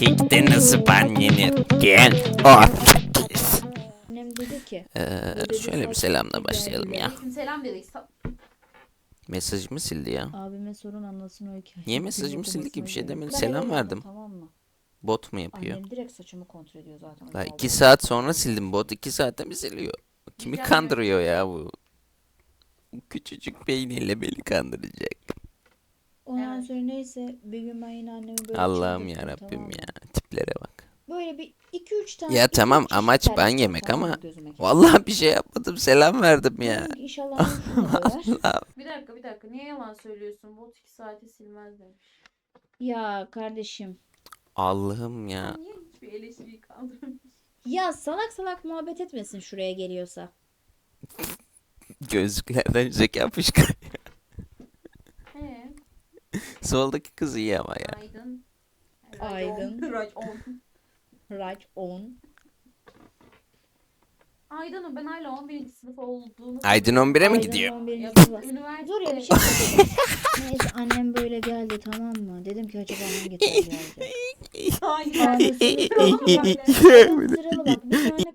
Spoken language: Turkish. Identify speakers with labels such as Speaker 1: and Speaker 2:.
Speaker 1: Kekte nasıl ban yenir? Gel. Oh.
Speaker 2: Annem dedi ki.
Speaker 1: Şöyle bir selamla başlayalım ya.
Speaker 3: Aleykümselam dedik.
Speaker 1: Mesajımı sildi ya.
Speaker 2: Abime sorun anlasın o hikayeyi.
Speaker 1: Niye mesajımı sildi ki, bir şey demedi.
Speaker 2: Ben
Speaker 1: Selam
Speaker 2: eve
Speaker 1: verdim.
Speaker 2: geldim, tamam mı?
Speaker 1: Bot mu yapıyor?
Speaker 2: Annem direkt saçımı kontrol ediyor zaten.
Speaker 1: La
Speaker 2: Öyle
Speaker 1: 2
Speaker 2: oldu.
Speaker 1: saat sonra sildim, bot 2 saatte mi siliyor? Kimi
Speaker 3: Güzel
Speaker 1: kandırıyor ya bu? Bu küçücük beyniyle beni kandıracak.
Speaker 2: Ondan
Speaker 3: Evet.
Speaker 2: sonra neyse bir gün ben yine annemi böyle
Speaker 1: Allah'ım
Speaker 2: çıldırttım,
Speaker 1: ya Rabbim
Speaker 2: tamam mı?
Speaker 1: ya. Tiplere bak.
Speaker 2: Böyle bir 2-3 tane.
Speaker 1: Ya
Speaker 2: 2-3
Speaker 1: tamam,
Speaker 2: çeşit
Speaker 1: amaç ban
Speaker 2: terlik
Speaker 1: yemek
Speaker 2: tamam mı
Speaker 1: ama
Speaker 2: gözüme kestim.
Speaker 1: vallahi bir şey yapmadım, selam verdim ya.
Speaker 2: Dedim ki inşallah şunu da döver.
Speaker 1: Allah.
Speaker 3: Bir dakika. Niye yalan söylüyorsun? Bot 2 saate silmez demiş.
Speaker 2: Ya kardeşim.
Speaker 1: Allah'ım ya.
Speaker 3: Niye hiçbir eleştiriyi kaldırmıyorsun?
Speaker 2: Ya salak salak muhabbet etmesin şuraya geliyorsa.
Speaker 1: Gözlüklerden zeka fışkırıyor.
Speaker 3: He.
Speaker 1: Soldaki kız iyi ama ya.
Speaker 3: Aydın.
Speaker 2: Aydın.
Speaker 3: Racon.
Speaker 2: Right on.
Speaker 3: Aydın'ın ben hala 11. sınıf olduğunu...
Speaker 1: Aydın 11'e mi
Speaker 2: Aydın
Speaker 1: gidiyor?
Speaker 2: 11.
Speaker 3: Ya,
Speaker 2: sınıfa.
Speaker 3: üniversite...
Speaker 2: Dur ya bir şey söyleyeyim. Neyse annem böyle geldi tamam mı? Dedim ki acaba hangi terliği alacak?
Speaker 3: Hayır.
Speaker 2: Ondan sonra
Speaker 3: Sıralama
Speaker 2: Adam
Speaker 3: böyle.
Speaker 2: sıralı bak bir tane